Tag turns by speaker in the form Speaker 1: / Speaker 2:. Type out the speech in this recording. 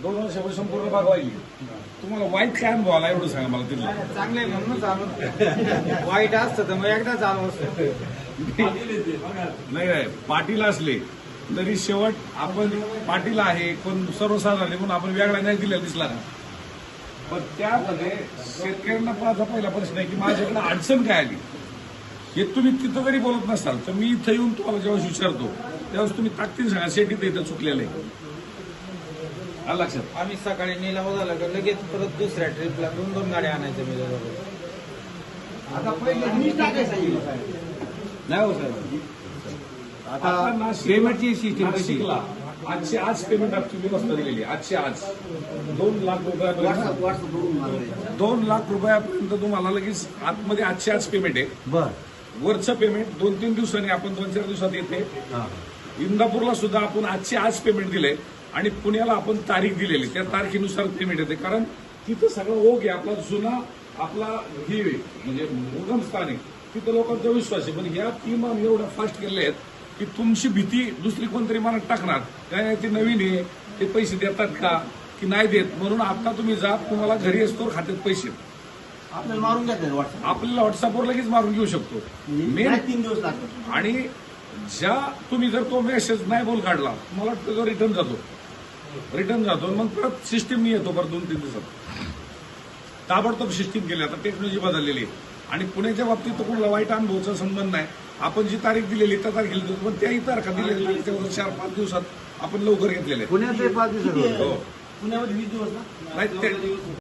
Speaker 1: 2 वर्षापासून संपूर्ण भाग वाहिली. तुम्हाला वाईट काय अनुभव आला एवढं सांगा मला तिथलं.
Speaker 2: चांगले म्हणून चालू वाईट असतं तर मग एकदा चालू असतं.
Speaker 1: नाही पाटील असले तरी शेवट आपण पाटील आहे पण सर्वसाधारण म्हणून आपण वेगळा नाही दिलेला दिसला ना. पण त्यामध्ये शेतकऱ्यांना माझा पहिला प्रश्न आहे की माझ्याकडे अडचण काय आली हे तुम्ही तिथं जरी बोलत नसाल तर मी इथं येऊन तुम्हाला जेव्हा विचारतो त्यावेळेस तुम्ही ताकदीने सांगा शेती इथं चुकलेलं आहे. आलं लक्षात.
Speaker 2: आम्ही सकाळी निलाव झाला का लगेच परत दुसऱ्या ट्रिपला 2 गाड्या आणायच्या मी
Speaker 3: आता पहिले मीच टाकायचं
Speaker 1: नाही हो साहेब.
Speaker 3: आता पेमेंटची सिस्टीम कशी
Speaker 1: शिकला आजची आज पेमेंट आमची व्यवस्था दिलेली आजची आज 2 लाख रुपयापर्यंत 2 लाख रुपयापर्यंत तुम्हाला लगेच आतमध्ये आजची आज पेमेंट आहे.
Speaker 3: बर
Speaker 1: वरचं पेमेंट 2-3 दिवसांनी आपण 2-4 दिवसात येते. इंदापूरला सुद्धा आपण आजची आज पेमेंट दिलंय आणि पुण्याला आपण तारीख दिलेली त्या तारखेनुसार पेमेंट येते. कारण तिथं सगळं ओघ आहे आपला जुना आपला हे म्हणजे उगम स्थान आहे तिथं लोकांचा विश्वास आहे. पण ह्या 3 आम्ही एवढ्या फास्ट केलेल्या आहेत की तुमची भीती दुसरी कोणतरी मनात टाकणार काय ते नवीन आहे ते पैसे देतात का की नाही देत म्हणून आता तुम्ही जा तुम्हाला घरी असतो खात्यात पैसे
Speaker 3: आपल्याला मारून घेतात व्हॉट्सअप
Speaker 1: आपल्याला व्हॉट्सअपवर लगेच मारून घेऊ शकतो. मेन
Speaker 3: 3 दिवस लागतात.
Speaker 1: आणि ज्या तुम्ही जर तो मेसेज नाही बोल काढला मला वाटतं तो रिटर्न जातो मग परत सिस्टीम येतो परत 2-3 दिवसात ताबडतोब सिस्टीम केली. आता टेक्नॉलॉजी बदललेली आहे आणि पुण्याच्या बाबतीत तर कोणाला वाईट अनुभवाचा संबंध नाही. आपण जी तारीख दिलेली त्या तारखेला देतो पण त्याही तारखा दिलेल्या 4-5 दिवसात आपण लवकर घेतलेले
Speaker 3: पुण्यात 5 दिवस
Speaker 1: हो
Speaker 3: पुण्यामध्ये 20 दिवस ना
Speaker 1: नाही